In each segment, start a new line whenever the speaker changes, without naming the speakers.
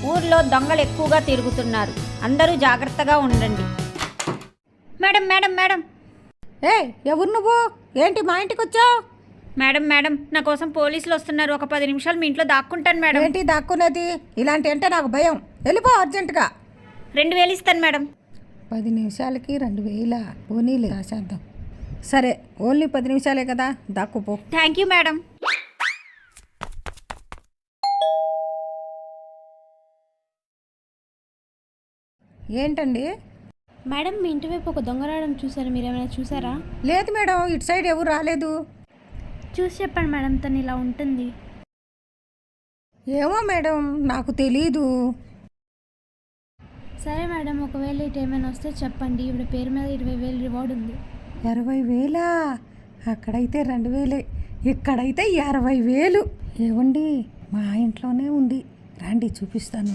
ఊర్లో దొంగలు ఎక్కువగా తిరుగుతున్నారు, అందరూ జాగ్రత్తగా ఉండండి. Madam madam madam.
ఏ ఎవరు నువ్వు? ఏంటి మా ఇంటికి వచ్చావు?
మేడం మేడం, నా కోసం పోలీసులు వస్తున్నారు. ఒక 10 నిమిషాలు మీ ఇంట్లో దాక్కుంటాను మేడం.
ఏంటి దాక్కునేది? ఇలాంటి అంటే నాకు భయం. వెళ్ళిపో అర్జెంటుగా.
2000 ఇస్తాను మేడం.
10 నిమిషాలకి 2000? పోనీలే రాసేద్దాం. సరే, ఓన్లీ 10 నిమిషాలే కదా, దాక్కుపో.
Thank you madam.
ఏంటండి?
మేడం, మీ ఇంటి వైపు ఒక దొంగ రావడం చూసారు, మీరు ఏమైనా చూసారా?
లేదు మేడం, ఇటు సైడ్ ఎవరు రాలేదు.
చూసి చెప్పండి మేడం, తను ఇలా ఉంటుంది.
ఏమో మేడం, నాకు తెలీదు.
సరే మేడం, ఒకవేళ ఇటు ఏమైనా వస్తే చెప్పండి. ఇప్పుడు పేరు మీద 20,000 రివార్డ్ ఉంది.
20,000? అక్కడైతే 2,000, ఇక్కడైతే 60,000. ఏవండి, మా ఇంట్లోనే ఉంది, రండి చూపిస్తాను.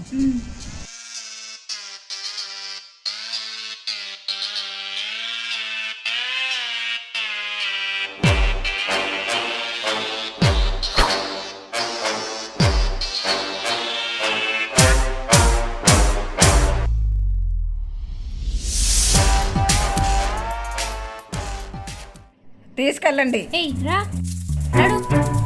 తీసుకెళ్ళండి.
ఏయ్ రా, రాడు.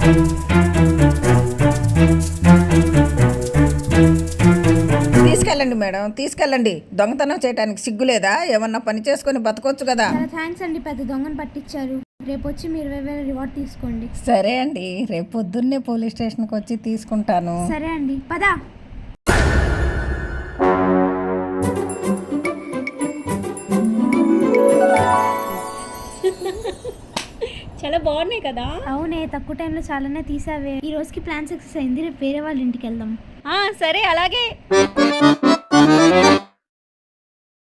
తీసుకెళ్ళండి మేడం, తీసుకెళ్ళండి. దొంగతనం చేయడానికి సిగ్గులేదా? ఏమన్నా పని చేసుకొని బతకొచ్చు కదా.
చాలా థ్యాంక్స్ అండి, పెద్ద దొంగను పట్టించారు. రేపు వచ్చి మీరు 20,000 రివార్డ్ తీసుకోండి.
సరే అండి, రేపు పొద్దున్నే పోలీస్ స్టేషన్కి వచ్చి తీసుకుంటాను.
సరే అండి, పదా.
చాలా బాగున్నాయి కదా.
అవునే, తక్కువ టైంలో చాలానే తీసావే. ఈ రోజుకి ప్లాన్ సక్సెస్ అయింది. రేపు వేరే వాళ్ళ ఇంటికి వెళ్దాం.
సరే అలాగే.